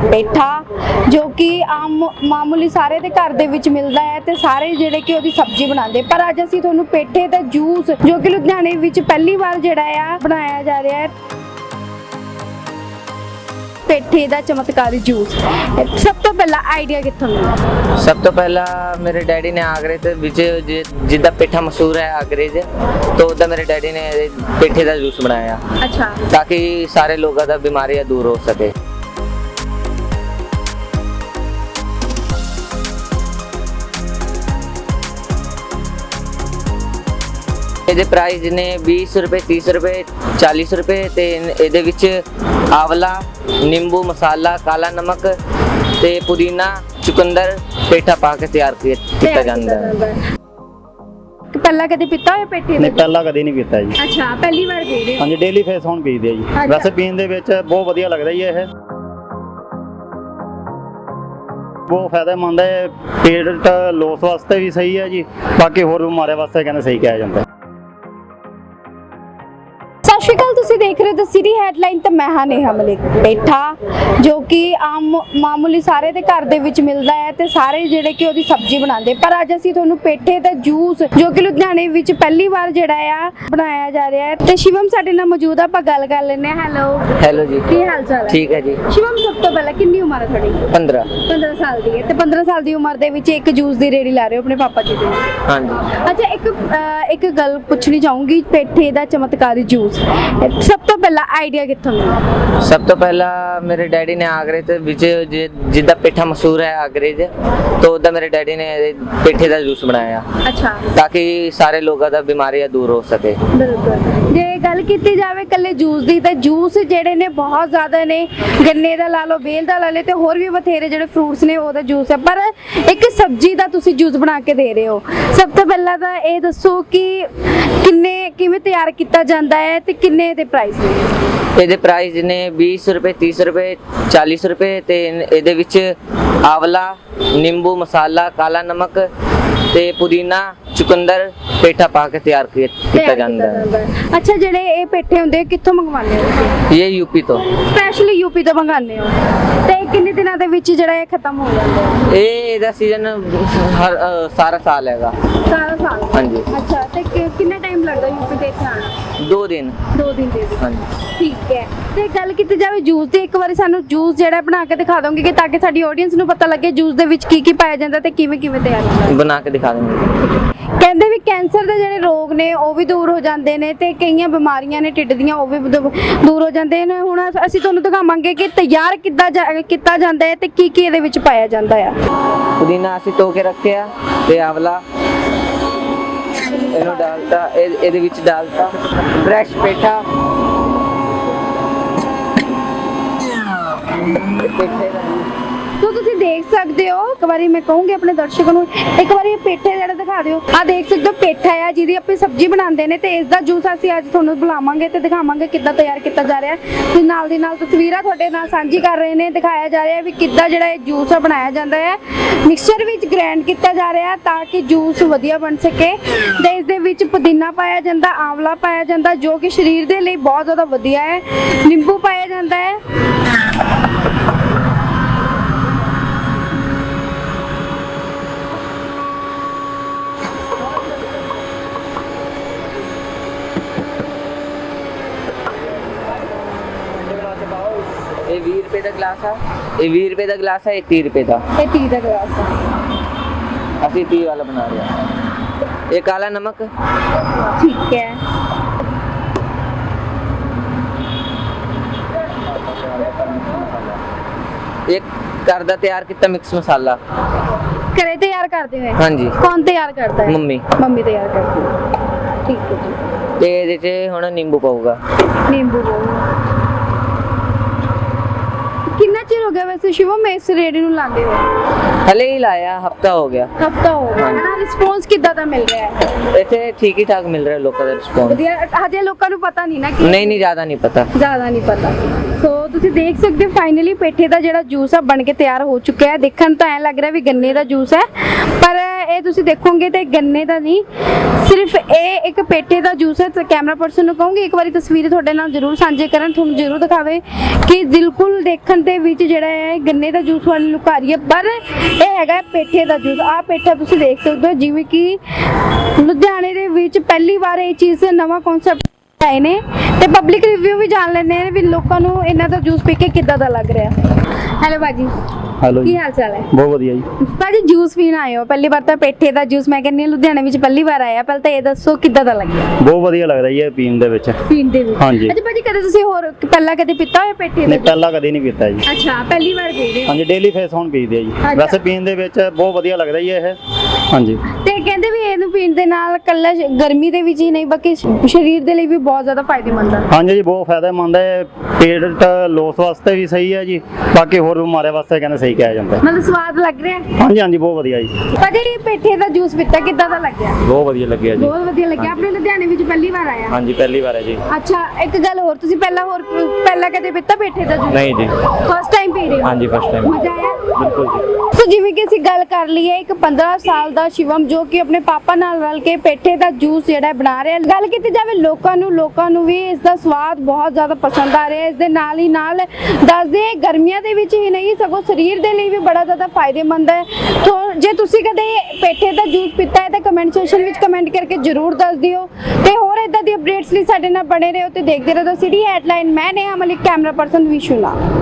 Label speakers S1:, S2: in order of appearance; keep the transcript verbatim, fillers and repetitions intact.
S1: पेठा जो कि आम मामूली सारे दे घर दे विच मिलदा है ते सारे जिहड़े कि ओहदी सब्जी बनाते, पर अज असीं तुहानूं पेठे दा जूस जो कि लुधियाने विच पहली बार जिहड़ा आ बनाया जा रहा है, पेठे दा चमत्कारी जूस। सब तो पहला आइडिया कित्थों मिला?
S2: सब तो पहला मेरे डैडी ने आगरे ते विच जिद्दां पेठा मशहूर है आगरे च, तो उदा मेरे डैडी ने पेठे दा जूस बनाया।
S1: अच्छा,
S2: ताकि सारे लोगों दा बीमारियां दूर हो सके। ਇਹਦੇ ਪ੍ਰਾਈਸ ਨੇ बीस रुपए तीस रुपए चालीस रुपए ਤੇ ਇਹਦੇ ਵਿੱਚ ਆਵਲਾ, ਨਿੰਬੂ, ਮਸਾਲਾ, ਕਾਲਾ ਨਮਕ ਤੇ ਪੁਦੀਨਾ, ਚੁਕੰਦਰ, ਪੇਠਾ ਪਾ ਕੇ ਤਿਆਰ ਕੀਤਾ ਜਾਂਦਾ ਹੈ।
S1: ਪਹਿਲਾਂ ਕਦੇ ਪੀਤਾ ਹੋਇਆ पेठे
S3: नहीं पहला कभी नहीं पीता जी।
S1: अच्छा, पहली बार पी रहे हो?
S3: हाँ जी, डेली फेस ਹੁਣ ਪੀਦੇ ਆ ਜੀ।
S1: अच्छा।
S3: ਵੈਸੇ ਪੀਣ ਦੇ ਵਿੱਚ ਬਹੁਤ ਵਧੀਆ ਲੱਗਦਾ ਜੀ ਇਹ, ਬਹੁਤ ਫਾਇਦੇਮੰਦ ਹੈ, ਪੇਟ ਲੋਸ ਵਾਸਤੇ ਵੀ ਸਹੀ ਹੈ ਜੀ, ਬਾਕੀ ਹੋਰ ਬਿਮਾਰੀਆਂ ਵਾਸਤੇ ਕਹਿੰਦੇ ਸਹੀ ਕਿਹਾ ਜਾਂਦਾ।
S1: ਸਤਿ ਸ਼੍ਰੀ ਅਕਾਲ, ਤੁਸੀਂ ਦੇਖ ਰਹੇ ਹੋ ਦ ਸਿਟੀ ਹੈਡਲਾਈਨ ਤੇ ਮੈਂ ਹਾਂ ਨੇਹਾ ਮਲਿਕ। ਪੇਠਾ ਜੋ ਕਿ ਆਮ ਮਾਮੂਲੀ ਸਾਰੇ ਦੇ ਘਰ ਦੇ ਵਿੱਚ ਮਿਲਦਾ ਹੈ ਤੇ ਸਾਰੇ ਜਿਹੜੇ ਕਿ ਉਹਦੀ ਸਬਜ਼ੀ ਬਣਾਉਂਦੇ, ਪਰ ਅੱਜ ਅਸੀਂ ਤੁਹਾਨੂੰ ਪੇਠੇ ਦਾ ਜੂਸ ਜੋ ਕਿ ਲੁਧਿਆਣੇ ਵਿੱਚ ਪਹਿਲੀ ਵਾਰ ਜਿਹੜਾ ਆ ਬਣਾਇਆ ਜਾ ਰਿਹਾ ਹੈ, ਤੇ ਸ਼ਿਵਮ ਸਾਡੇ ਨਾਲ ਮੌਜੂਦ ਆ। ਆਪਾਂ ਗੱਲ ਕਰ ਲੈਂਦੇ ਹਾਂ। ਹੈਲੋ
S2: ਹੈਲੋ ਜੀ,
S1: ਕੀ ਹਾਲ ਚਾਲ ਹੈ?
S2: ਠੀਕ ਹੈ ਜੀ।
S1: ਸ਼ਿਵਮ, ਸਭ ਤੋਂ ਪਹਿਲਾਂ ਕਿੰਨੀ ਉਮਰ ਹੈ ਤੁਹਾਡੀ?
S2: पंद्रह।
S1: ਪੰਦਰਾਂ ਸਾਲ ਦੀ ਹੈ, ਤੇ ਪੰਦਰਾਂ ਸਾਲ ਦੀ ਉਮਰ ਦੇ ਵਿੱਚ ਇੱਕ ਜੂਸ ਦੀ ਰੇੜੀ ਲਾ ਰਹੇ ਹੋ ਆਪਣੇ ਪਾਪਾ ਜੀ ਦੀ।
S2: हाँ जी।
S1: ਅੱਛਾ, ਇੱਕ ਅਹ, ਇੱਕ ਗੱਲ ਪੁੱਛਣੀ ਚਾਹੂੰਗੀ, ਪੇਠੇ ਦਾ ਚਮਤਕਾਰੀ ਜੂਸ ਸਭ ਤੋਂ ਪਹਿਲਾਂ ਆਈਡੀਆ ਕਿੱਥੋਂ ਮਿਲਿਆ?
S2: ਸਭ ਤੋਂ ਪਹਿਲਾਂ ਮੇਰੇ ਡੈਡੀ ਨੇ ਆਗਰੇ ਤੇ ਵਿੱਚ ਜਿੱਦਾਂ ਪੇਠਾ ਮਸ਼ਹੂਰ ਹੈ ਆਗਰੇ 'ਚ, ਤਾਂ ਉਦਾਂ ਮੇਰੇ ਡੈਡੀ ਨੇ ਪੇਠੇ ਦਾ ਜੂਸ ਬਣਾਇਆ।
S1: ਅੱਛਾ,
S2: ताकि सारे लोगों ਦਾ ਬਿਮਾਰੀਆਂ ਦੂਰ ਹੋ ਸਕੇ।
S1: ਬਿਲਕੁਲ। ਜੇ ਗੱਲ ਕੀਤੀ ਜਾਵੇ ਕੱਲੇ ਜੂਸ ਦੀ, ਤਾਂ ਜੂਸ ਜਿਹੜੇ ਨੇ ਬਹੁਤ ਜ਼ਿਆਦਾ ਨੇ, ਗੰਨੇ ਦਾ ਲਾ ਲਓ, ਬੇਲ ਦਾ ਲਾ ਲਓ, ਤੇ ਹੋਰ ਵੀ ਬਥੇਰੇ ਜਿਹੜੇ ਫਰੂਟਸ ਨੇ ਉਹਦਾ ਜੂਸ ਹੈ, ਪਰ ਇੱਕ ਸਬਜ਼ੀ ਦਾ ਤੁਸੀਂ ਜੂਸ ਬਣਾ ਕੇ ਦੇ ਰਹੇ ਹੋ। ਸਭ ਤੋਂ ਪਹਿਲਾਂ ਤਾਂ ਇਹ ਦੱਸੋ ਕਿ ਕਿੰਨੇ ਕਿਵੇਂ ਤਿਆਰ ਕੀਤਾ ਜਾਂਦਾ ਹੈ ਤੇ ਕਿੰਨੇ ਦੇ ਪ੍ਰਾਈਸ ਨੇ?
S2: ਇਹਦੇ ਪ੍ਰਾਈਸ ਨੇ बीस रुपए तीस रुपए चालीस रुपए ਤੇ ਇਹਦੇ ਵਿੱਚ ਆਵਲਾ, ਨਿੰਬੂ, ਮਸਾਲਾ, ਕਾਲਾ ਨਮਕ ਤੇ ਪੁਦੀਨਾ, ਚੁਕੰਦਰ, ਪੇਠਾ ਪਾ ਕੇ ਤਿਆਰ ਕੀਤਾ ਜਾਂਦਾ ਹੈ।
S1: ਅੱਛਾ, ਜਿਹੜੇ ਇਹ ਪੇਠੇ ਹੁੰਦੇ ਕਿੱਥੋਂ ਮੰਗਵਾਉਂਦੇ ਹੋ ਤੁਸੀਂ?
S2: ਇਹ ਯੂਪੀ ਤੋਂ
S1: ਸਪੈਸ਼ਲੀ ਯੂਪੀ ਤੋਂ ਮੰਗਾਉਂਦੇ ਹੋ, ਤੇ ਕਿੰਨੇ ਦਿਨਾਂ ਦੇ ਵਿੱਚ ਜਿਹੜਾ ਇਹ ਖਤਮ ਹੋ ਜਾਂਦਾ ਹੈ?
S2: ਇਹ ਇਹਦਾ ਸੀਜ਼ਨ ਹਰ ਅ, ਸਾਰਾ ਸਾਲ ਹੈਗਾ।
S1: ਸਾਰਾ ਸਾਲ?
S2: ਹਾਂਜੀ।
S1: ਅੱਛਾ, ਤੇ ਕਿ- ਕਿੰਨਾ ਟਾਈਮ ਲੱਗਦਾ ਯੂਪੀ ਤੇ ਇੱਥੇ ਆਉਣ?
S2: ਦੋ ਦਿਨ।
S1: ਦੋ ਦਿਨ ਦੇ ਵਿੱਚ?
S2: ਹਾਂਜੀ।
S1: ਠੀਕ ਹੈ। ਤੇ ਗੱਲ ਕੀਤੀ ਜਾਵੇ ਜੂਸ ਦੀ, ਇੱਕ ਵਾਰੀ ਸਾਨੂੰ ਜੂਸ ਜਿਹੜਾ ਬਣਾ ਕੇ ਦਿਖਾ ਦੋਗੇ ਕਿ ਤਾਂ ਕਿ ਸਾਡੀ ਆਡੀਅנס ਨੂੰ ਪਤਾ ਲੱਗੇ ਜੂਸ ਦੇ ਵਿੱਚ ਕੀ ਕੀ ਪਾਇਆ ਜਾਂਦਾ ਤੇ ਕਿਵੇਂ ਕਿਵੇਂ ਤਿਆਰ ਹੁੰਦਾ?
S2: ਬਣਾ ਕੇ ਦਿਖਾ ਦਿੰਦੇ।
S1: ਕਹਿੰਦੇ ਵੀ ਕੈਂਸਰ ਦੇ ਜਿਹੜੇ ਰੋਗ ਨੇ ਉਹ ਵੀ ਦੂਰ ਹੋ ਜਾਂਦੇ ਨੇ, ਤੇ ਕਈਆਂ ਬਿਮਾਰੀਆਂ ਨੇ ਢਿੱਡ ਦੀਆਂ ਉਹ ਵੀ ਦੂ- ਦੂਰ ਹੋ ਜਾਂਦੇ ਨੇ। ਹੁਣ ਅਸੀਂ ਤੁਹਾਨੂੰ ਦਿਖਾਵਾਂਗੇ ਕਿ ਤਿਆਰ ਕਿੱਦਾਂ ਜਾ- ਕੀਤਾ ਜਾਂਦਾ ਹੈ ਤੇ ਕੀ ਕੀ ਇਹਦੇ ਵਿੱਚ ਪਾਇਆ ਜਾਂਦਾ ਆ।
S2: ਪੁਦੀਨਾ ਅਸੀਂ ਧੋ ਕੇ ਰੱਖਿਆ ਤੇ ਆਵਲਾ ਇਹਨੂੰ ਡਾਲਤਾ, ਇਹ- ਇਹਦੇ ਵਿੱਚ ਡਾਲਤਾ ਫਰੈਸ਼ ਪੇਠਾ, ਪੇਠੇ ਦਾ
S1: ਤੋ ਤੁਸੀਂ ਦੇਖ ਸਕਦੇ ਹੋ, ਇੱਕ ਵਾਰੀ ਮੈਂ ਕਹੂੰਗੀ ਆਪਣੇ ਦਰਸ਼ਕਾਂ ਨੂੰ ਇੱਕ ਵਾਰੀ ਇਹ ਪੇਠੇ ਜਿਹੜਾ ਦਿਖਾ ਦਿਓ। ਆ ਦੇਖ ਸਕਦੇ ਹੋ ਪੇਠਾ ਆ ਜਿਹਦੀ ਆਪਣੀ ਸਬਜ਼ੀ ਬਣਾਉਂਦੇ ਨੇ, ਤੇ ਇਸ ਦਾ ਜੂਸ ਅਸੀਂ ਅੱਜ ਤੁਹਾਨੂੰ ਬੁਲਾਵਾਂਗੇ ਤੇ ਦਿਖਾਵਾਂਗੇ ਕਿੱਦਾਂ ਤਿਆਰ ਕੀਤਾ ਜਾ ਰਿਹਾ ਹੈ। ਤੇ ਨਾਲ ਦੀ ਨਾਲ ਤਸਵੀਰਾਂ ਤੁਹਾਡੇ ਨਾਲ ਸਾਂਝੀ ਕਰ ਰਹੇ ਨੇ, ਦਿਖਾਇਆ ਜਾ ਰਿਹਾ ਹੈ ਵੀ ਕਿੱਦਾਂ ਜਿਹੜਾ ਇਹ ਜੂਸ ਆ ਬਣਾਇਆ ਜਾਂਦਾ ਹੈ। ਮਿਕਸਚਰ ਵਿੱਚ ਗ੍ਰਾਈਂਡ ਕੀਤਾ ਜਾ ਰਿਹਾ ਹੈ ਤਾਂ ਕਿ ਜੂਸ ਵਧੀਆ ਬਣ ਸਕੇ, ਤੇ ਇਸ ਦੇ ਵਿੱਚ ਪੁਦੀਨਾ ਪਾਇਆ ਜਾਂਦਾ, ਆਂਵਲਾ ਪਾਇਆ ਜਾਂਦਾ ਜੋ ਕਿ ਸਰੀਰ ਦੇ ਲਈ ਬਹੁਤ ਜ਼ਿਆਦਾ ਵਧੀਆ ਹੈ, ਨਿੰਬੂ ਪਾਇਆ ਜਾਂਦਾ ਹੈ।
S2: ਇਹ बीस रुपए ਦਾ ਗਲਾਸ ਆ, ਇਹ बीस रुपए ਦਾ ਗਲਾਸ ਆ, ਇਹ तीस रुपए ਦਾ।
S1: ਇਹ ਤੀਹ ਦਾ ਗਲਾਸ ਹੈ।
S2: ਅਸੀਂ तीस ਵਾਲਾ ਬਣਾ ਰਹੇ ਹਾਂ। ਇਹ ਕਾਲਾ ਨਮਕ,
S1: ਠੀਕ ਹੈ।
S2: ਇੱਕ ਘਰ ਦਾ ਤਿਆਰ ਕੀਤਾ ਮਿਕਸ ਮਸਾਲਾ।
S1: ਘਰੇ ਤਿਆਰ ਕਰਦੇ ਹੋਏ?
S2: ਹਾਂਜੀ।
S1: ਕੌਣ ਤਿਆਰ ਕਰਦਾ ਹੈ?
S2: ਮੰਮੀ।
S1: ਮੰਮੀ ਤਿਆਰ ਕਰਦੀ ਹੈ। ਠੀਕ ਹੈ ਜੀ।
S2: ਤੇ ਇਹਦੇ 'ਚ ਹੁਣ ਨਿੰਬੂ ਪਾਊਗਾ।
S1: ਨਿੰਬੂ ਪਾਊਗਾ। ਕਿੰਨਾ ਚਿਰ ਹੋ ਗਿਆ ਵੈਸੇ ਸ਼ਿਵਮ ਇਸ ਰੇੜੀ ਨੂੰ ਲਾਉਂਦੇ ਹੋਏ?
S2: ਹਲੇ ਹੀ ਲਾਇਆ, ਹਫਤਾ ਹੋ ਗਿਆ।
S1: ਹਫਤਾ ਹੋ ਗਿਆ ਨਾ? ਰਿਸਪੌਂਸ ਕਿੱਦਾਂ ਦਾ ਮਿਲ ਰਿਹਾ ਹੈ?
S2: ਇੱਥੇ ਠੀਕ ਹੀ ਠਾਕ ਮਿਲ ਰਿਹਾ ਲੋਕਾਂ ਦਾ ਰਿਸਪੌਂਸ।
S1: ਵਧੀਆ। ਹਜੇ ਲੋਕਾਂ ਨੂੰ ਪਤਾ ਨਹੀਂ ਨਾ ਕਿ
S2: ਨਹੀਂ ਨਹੀਂ ਜ਼ਿਆਦਾ ਨਹੀਂ ਪਤਾ।
S1: ਜ਼ਿਆਦਾ ਨਹੀਂ ਪਤਾ। ਸੋ ਤੁਸੀਂ ਦੇਖ ਸਕਦੇ ਹੋ ਫਾਈਨਲੀ ਪੇਠੇ ਦਾ ਜਿਹੜਾ ਜੂਸ ਆ ਬਣ ਕੇ ਤਿਆਰ ਹੋ ਚੁੱਕਿਆ ਹੈ। ਦੇਖਣ ਤਾਂ ਐ ਲੱਗ ਰਿਹਾ ਵੀ ਗੰਨੇ ਦਾ ਜੂਸ ਹੈ, ਪਰ ਇਹ ਤੁਸੀਂ ਦੇਖੋਗੇ ਤੇ ਗੰਨੇ ਦਾ ਨਹੀਂ, ਸਿਰਫ ਇਹ ਇੱਕ ਪੇਠੇ ਦਾ ਜੂਸ ਹੈ। ਤੇ ਕੈਮਰਾ ਪਰਸਨ ਨੂੰ ਕਹੂੰਗੀ ਇੱਕ ਵਾਰੀ ਤਸਵੀਰ ਤੁਹਾਡੇ ਨਾਲ ਜ਼ਰੂਰ ਸਾਂਝੇ ਕਰਨ, ਤੁਹਾਨੂੰ ਜ਼ਰੂਰ ਦਿਖਾਵੇ ਕਿ ਬਿਲਕੁਲ ਦੇਖਣ ਦੇ ਵਿੱਚ ਜਿਹੜਾ ਹੈ ਗੰਨੇ ਦਾ ਜੂਸ ਵਾਲੀ ਲੁਕ ਆ ਰਹੀ ਹੈ, ਪਰ ਇਹ ਹੈਗਾ ਪੇਠੇ ਦਾ ਜੂਸ। ਆਹ ਪੇਠਾ ਤੁਸੀਂ ਦੇਖ ਸਕਦੇ ਹੋ, ਜਿਵੇਂ ਕਿ ਲੁਧਿਆਣੇ ਦੇ ਵਿੱਚ ਪਹਿਲੀ ਵਾਰ ਇਹ ਚੀਜ਼ ਨਵਾਂ ਕਨਸੈਪਟ ਆਏ ਨੇ ਤੇ ਪਬਲਿਕ ਰਿਵਿਊ ਵੀ ਜਾਣ ਲੈਂਦੇ ਨੇ ਵੀ ਲੋਕਾਂ ਨੂੰ ਇਹਨਾਂ ਦਾ ਜੂਸ ਪੀ ਕੇ ਕਿੱਦਾਂ ਦਾ ਲੱਗ ਰਿਹਾ। ਹੈਲੋ ਬਾਜੀ,
S3: ਹੈਲੋ
S1: ਕੀ
S3: ਜੀ,
S1: ਹਾਲ ਚਾਲ ਹੈ?
S3: ਬਹੁਤ ਵਧੀਆ ਜੀ।
S1: ਭਾਜੀ ਜੂਸ ਪੀਣ ਆਏ ਹੋ ਪਹਿਲੀ ਵਾਰ, ਤਾਂ ਪੇਠੇ ਦਾ ਜੂਸ ਮੈਂ ਕਹਿੰਦੀ ਹਾਂ ਲੁਧਿਆਣੇ ਵਿੱਚ ਪਹਿਲੀ ਵਾਰ ਆਇਆ, ਪਹਿਲਾਂ ਤਾਂ ਇਹ ਦੱਸੋ ਕਿੱਦਾਂ ਦਾ ਲੱਗਿਆ
S3: ਬਹੁਤ ਵਧੀਆ ਲੱਗਦਾ ਜੀ ਇਹ ਪੀਣ ਦੇ ਵਿੱਚ।
S1: ਪੀਣ ਦੇ ਵਿੱਚ?
S3: ਹਾਂਜੀ।
S1: ਅੱਛਾ ਭਾਜੀ, ਕਦੇ ਤੁਸੀਂ ਹੋਰ ਪਹਿਲਾਂ ਕਦੇ ਪੀਤਾ ਹੋਇਆ ਪੇਠੇ ਦਾ
S3: ਨਹੀਂ,
S1: ਜੂਸ?
S3: ਪਹਿਲਾਂ ਕਦੇ ਨਹੀਂ ਪੀਤਾ ਜੀ।
S1: ਅੱਛਾ, ਪਹਿਲੀ ਵਾਰ ਪੀ ਰਹੇ ਹੋ।
S3: ਹਾਂਜੀ, ਡੇਲੀ ਫੇਸ ਹੁਣ ਪੀਦੇ ਆ ਜੀ।
S1: ਅੱਛਾ।
S3: ਵੈਸੇ ਪੀਣ ਦੇ ਵਿੱਚ ਬਹੁਤ ਵਧੀਆ ਲੱਗਦਾ ਜੀ ਇਹ। ਹਾਂਜੀ।
S1: ਤੇ ਕਹਿੰਦੇ ਵੀ ਇਹਨੂੰ ਪੀਣ ਦੇ ਨਾਲ ਕੱਲਾ ਗਰਮੀ ਦੇ ਵਿੱਚ ਹੀ ਨਹੀਂ ਬਲਕਿ ਸਰੀਰ ਦੇ ਲਈ ਵੀ ਬਹੁਤ ਜ਼ਿਆਦਾ ਫਾਇਦੇਮੰਦ ਹੈ।
S3: ਹਾਂਜੀ ਜੀ, ਬਹੁਤ ਫਾਇਦੇਮੰਦ ਹੈ। ਪੇਟ ਲੋਸ ਵਾਸਤੇ ਵੀ ਸਹੀ ਹੈ ਜੀ, ਬਾਕੀ ਹੋਰ ਬਿਮਾਰੀਆਂ ਵਾਸਤੇ ਕਹਿੰਦੇ ਸਹੀ ਕਿਹਾ ਜਾਂਦਾ ਹੈ।
S1: ਮਤਲਬ ਸਵਾਦ ਲੱਗ ਰਿਹਾ ਹੈ?
S3: ਹਾਂਜੀ ਹਾਂਜੀ, ਬਹੁਤ ਵਧੀਆ ਜੀ।
S1: ਭਾਜੀ ਇਹ ਪੇਠੇ ਦਾ ਜੂਸ ਪੀਤਾ ਕਿੱਦਾਂ ਦਾ ਲੱਗਿਆ?
S4: ਬਹੁਤ ਵਧੀਆ ਲੱਗਿਆ ਜੀ।
S1: ਬਹੁਤ ਵਧੀਆ ਲੱਗਿਆ। ਆਪਣੇ ਲੁਧਿਆਣੇ ਵਿੱਚ ਪਹਿਲੀ ਵਾਰ ਆਇਆ?
S4: ਹਾਂਜੀ, ਪਹਿਲੀ ਵਾਰ ਹੈ ਜੀ।
S1: ਅੱਛਾ, ਇੱਕ ਗੱਲ ਹੋਰ, ਤੁਸੀਂ ਪਹਿਲਾਂ ਹੋਰ ਪਹਿਲਾਂ ਕਦੇ ਪੀਤਾ ਪੇਠੇ ਦਾ ਜੂਸ?
S4: ਨਹੀਂ ਜੀ।
S1: ਫਸਟ ਟਾਈਮ ਪੀ ਰਹੇ ਹੋ?
S4: ਹਾਂਜੀ, ਫਸਟ ਟਾਈਮ।
S1: ਮਜ਼ਾ ਆਇਆ?
S4: ਬਿਲਕੁਲ ਜੀ।
S1: ਸੋ ਜਿਵੇਂ ਕਿ ਅਸੀਂ ਗੱਲ ਕਰ ਲਈਏ, ਇੱਕ ਪੰਦਰਾਂ ਸਾਲ ਦਾ ਸ਼ਿਵਮ ਜੋ ਕਿ ਆਪਣੇ ਪਾਪਾ ਨਾਲ ਰਲ ਕੇ ਪੇਠੇ ਦਾ ਜੂਸ ਜਿਹੜਾ ਹੈ ਬਣਾ ਰਿਹਾ। ਗੱਲ ਕੀਤੀ ਜਾਵੇ ਲੋਕਾਂ ਨੂੰ ਲੋਕਾਂ ਨੂੰ ਵੀ ਇਸ ਦਾ ਸਵਾਦ ਬਹੁਤ ਜ਼ਿਆਦਾ ਪਸੰਦ ਆ ਰਿਹਾ। ਇਸ ਦੇ ਨਾਲ ਹੀ ਨਾਲ ਦੱਸਦੇ ਗਰਮੀਆਂ ਦੇ ਵਿੱਚ ਹੀ ਨਹੀਂ ਸਗੋਂ ਸਰੀਰ ਦੇ ਲਈ ਵੀ ਬੜਾ ਜ਼ਿਆਦਾ ਫਾਇਦੇਮੰਦ ਹੈ। ਤੋ ਜੇ ਤੁਸੀਂ ਕਦੇ ਪੇਠੇ ਦਾ ਜੂਸ ਪੀਤਾ ਹੈ ਤਾਂ ਕਮੈਂਟ ਸੈਕਸ਼ਨ ਵਿੱਚ ਕਮੈਂਟ ਕਰਕੇ ਜ਼ਰੂਰ ਦੱਸ ਦਿਓ ਤੇ ਹੋਰ ਇਦਾਂ ਦੀ ਅਪਡੇਟਸ ਲਈ ਸਾਡੇ ਨਾਲ ਬਣੇ ਰਹੋ ਤੇ ਦੇਖਦੇ ਰਹੋ ਸਿਟੀ ਹੈਡਲਾਈਨ। ਮੈਂ ਨੇਹਾ ਮਲਿਕ, ਕੈਮਰਾ ਪਰਸਨ ਵਿਸ਼ੂਲਾ।